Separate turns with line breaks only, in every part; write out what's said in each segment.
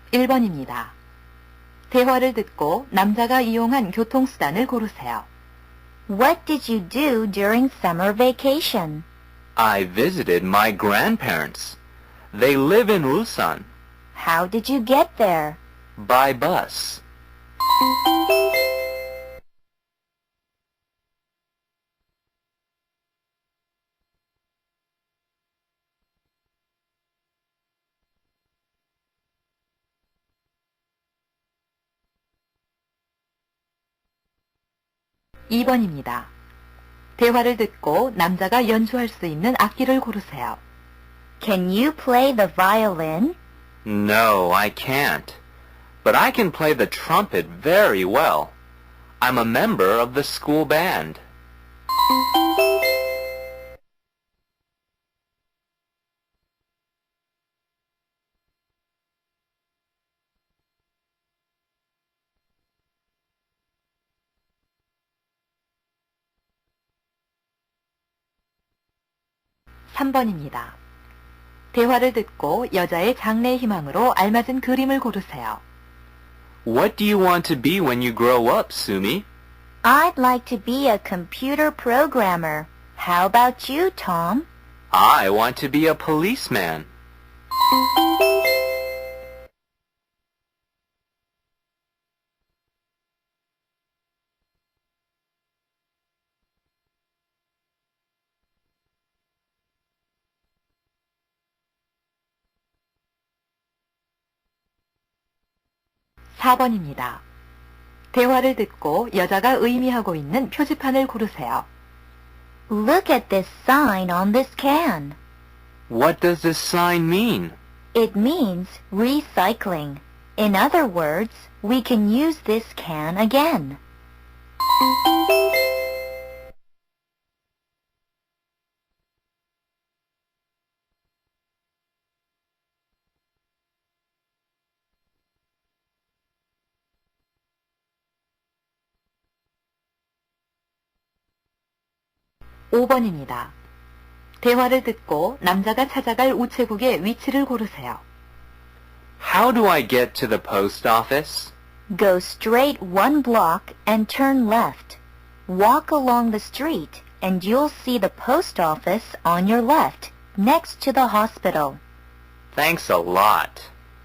1번입니다. 대화를 듣고 남자가 이용한 교통수단을 고르세요.
What did you do during summer vacation?
I visited my grandparents. They live in Ulsan.
How did you get there?
By bus.
2번입니다. 대화를 듣고 남자가 연주할 수 있는 악기를 고르세요.
Can you play the violin?
No, I can't. But I can play the trumpet very well. I'm a member of the school band.
3번입니다. 대화를 듣고 여자의 장래 희망으로 알맞은 그림을 고르세요.
What do you want to be when you grow up, Sumi?
I'd like to be a computer programmer. How about you, Tom?
I want to be a policeman.
4번입니다. 대화를 듣고 여자가 의미하고 있는 표지판을 고르세요.
Look at this sign on this can.
What does this sign mean?
It means recycling. In other words, we can use this can again.
5번입니다. 대화를 듣고 남자가 찾아갈 우체국의 위치를 고르세요.
How do I get to the post office?
Go straight 1 block and turn left. Walk along the street and you'll see the post office on your left, next to the hospital.
Thanks a lot.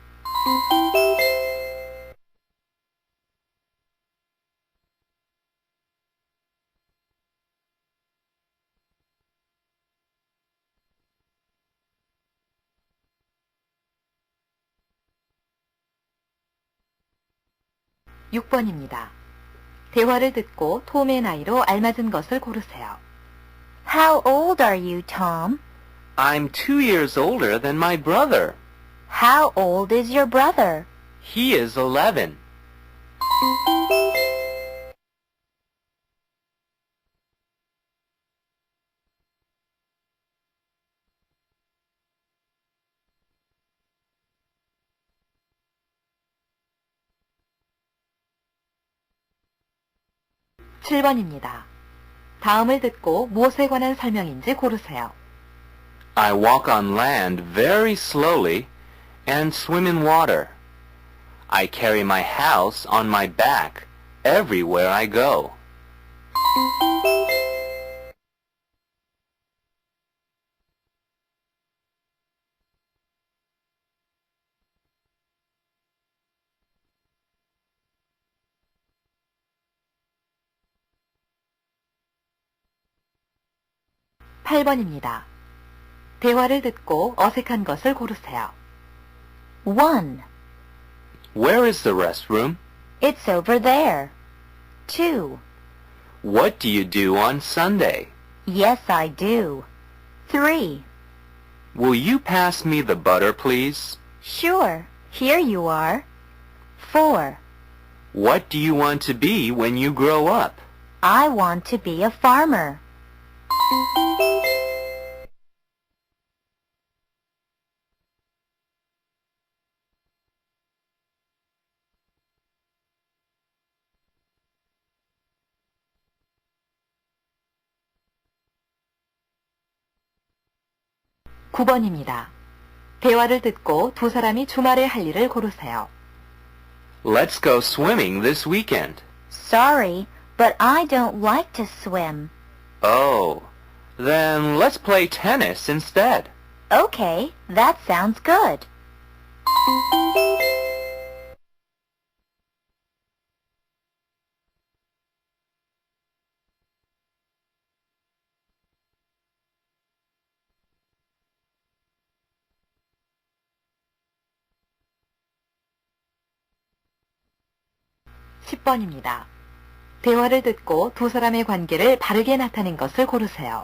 6번입니다. 대화를 듣고 톰의 나이로 알맞은 것을 고르세요.
How old are you, Tom?
I'm 2 years older than my brother.
How old is your brother?
He is 11.
7번입니다. 다음을 듣고 무엇에 관한 설명인지 고르세요.
I walk on land very slowly and swim in water. I carry my house on my back everywhere I go. 8번입니다. 대화를 듣고 어색한 것을 고르세요.
1.
Where is the restroom?
It's over there. 2.
What do you do on Sunday?
Yes, I do. 3.
Will you pass me the butter, please?
Sure, here you are. 4.
What do you want to be when you grow up?
I want to be a farmer.
9번입니다. 대화를 듣고 두 사람이 주말에 할 일을 고르세요.
Let's go swimming this weekend.
Sorry, but I don't like to swim.
Oh, then let's play tennis instead.
Okay, that sounds good.
십 번입니다 대화를 듣고 두 사람의 관계를 바르게 나타낸 것을 고르세요.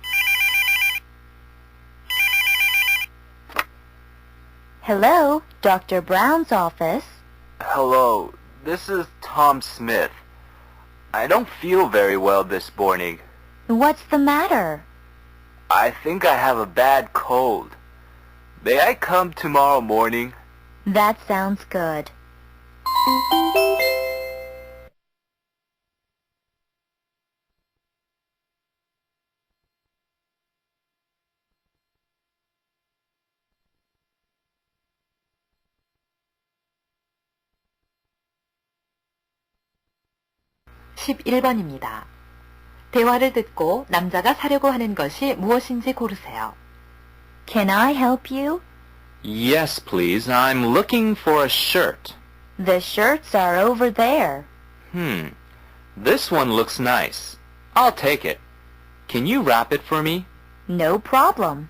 Hello, Dr. Brown's office.
Hello, this is Tom Smith. I don't feel very well this morning.
What's the matter?
I think I have a bad cold. May I come tomorrow morning?
That sounds good.
십일 번입니다 대화를 듣고 남자가 사려고 하는 것이 무엇인지 고르세요.
Can I help you?
Yes, please. I'm looking for a shirt.
The shirts are over there.
This one looks nice. I'll take it. Can you wrap it for me?
No problem.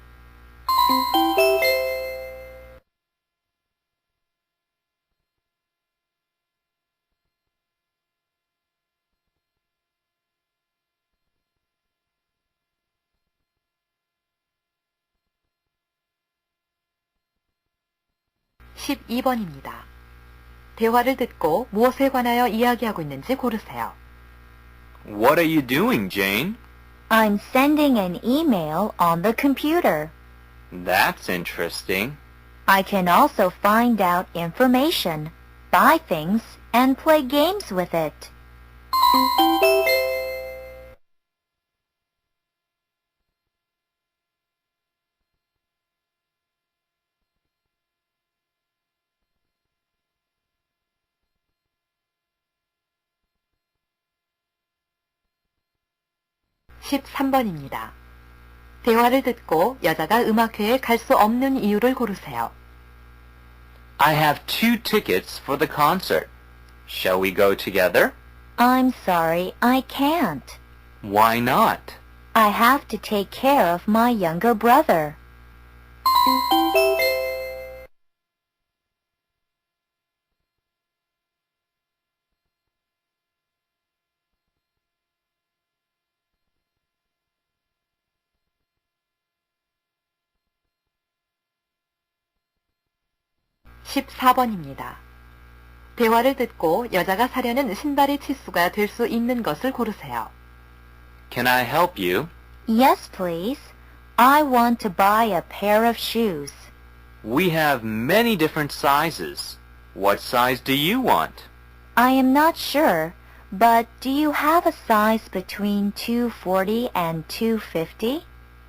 십이 번입니다 대화를 듣고 무엇에 관하여 이야기하고 있는지 고르세요.
What are you doing, Jane?
I'm sending an email on the computer.
That's interesting.
I can also find out information, buy things, and play games with it.
십삼 번입니다 대화를 듣고 여자가 음악회에 갈 수 없는 이유를 고르세요.
I have 2 tickets for the concert. Shall we go together?
I'm sorry, I can't.
Why not?
I have to take care of my younger brother.
십사 번입니다 대화를 듣고 여자가 사려는 신발의 치수가 될 수 있는 것을 고르세요.
Can I help you?
Yes, please. I want to buy a pair of shoes.
We have many different sizes. What size do you want?
I am not sure, but do you have a size between 240 and 250?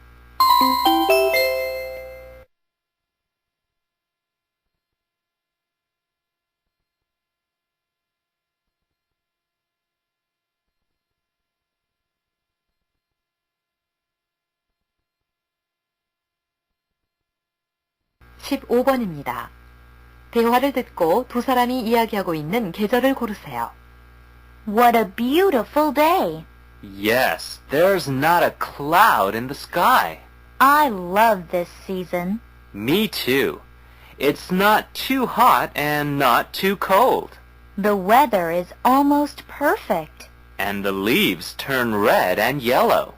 십오 번입니다 대화를 듣고 두 사람이 이야기하고 있는 계절을 고르세요.
What a beautiful day!
Yes, there's not a cloud in the sky.
I love this season.
Me too. It's not too hot and not too cold.
The weather is almost perfect.
And the leaves turn red and yellow.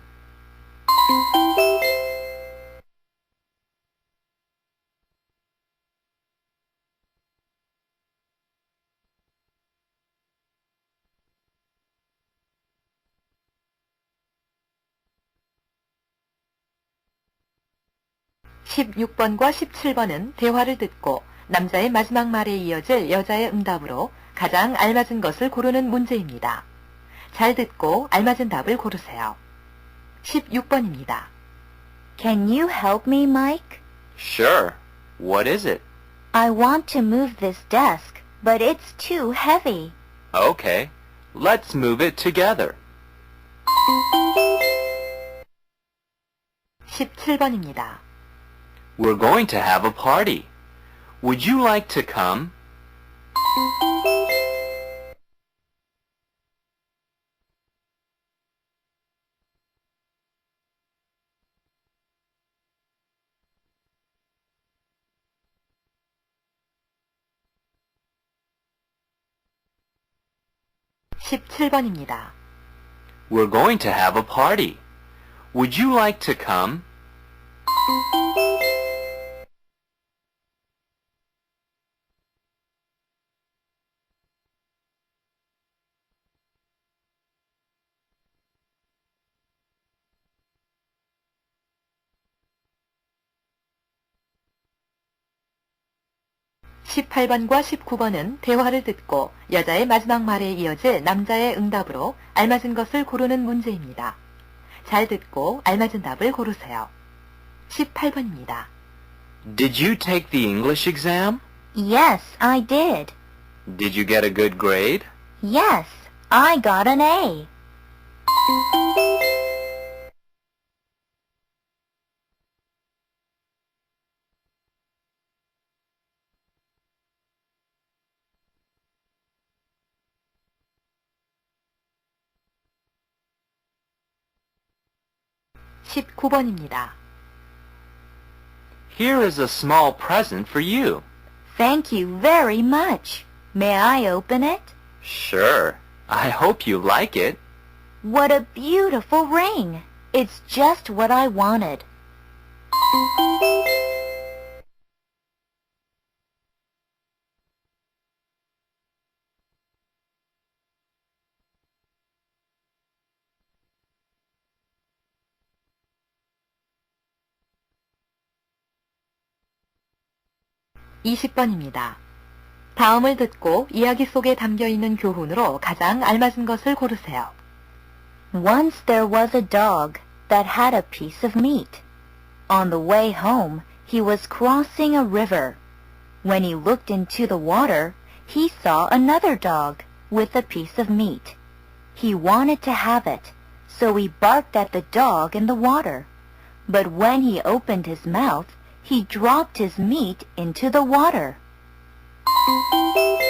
십육 번과 십칠 번은 대화를 듣고 남자의 마지막 말에 이어질 여자의 응답으로 가장 알맞은 것을 고르는 문제입니다. 잘 듣고 알맞은 답을 고르세요. 십육 번입니다
Can you help me, Mike?
Sure. What is it?
I want to move this desk, but it's too heavy.
Okay, let's move it together.
17번입니다.
We're going to have a party. Would you like to come?
(17번입니다)
We're going to have a party. Would you like to come?
(18번과 19번은 대화를 듣고 여자의 마지막 말에 이어질 남자의 응답으로 알맞은 것을 고르는 문제입니다. 잘 듣고 알맞은 답을 고르세요. 18번입니다.
Did you take the English exam?
Yes, I did.
Did you get a good grade?
Yes, I got an A.
(19번입니다)
Here is a small present for you.
Thank you very much. May I open it?
Sure. I hope you like it.
What a beautiful ring. It's just what I wanted.
(20번입니다) 다음을 듣고 이야기 속에 담겨있는 교훈으로 가장 알맞은 것을 고르세요.
Once there was a dog that had a piece of meat. On the way home, he was crossing a river. When he looked into the water, he saw another dog with a piece of meat. He wanted to have it, so he barked at the dog in the water. But when he opened his mouth, he dropped his meat into the water.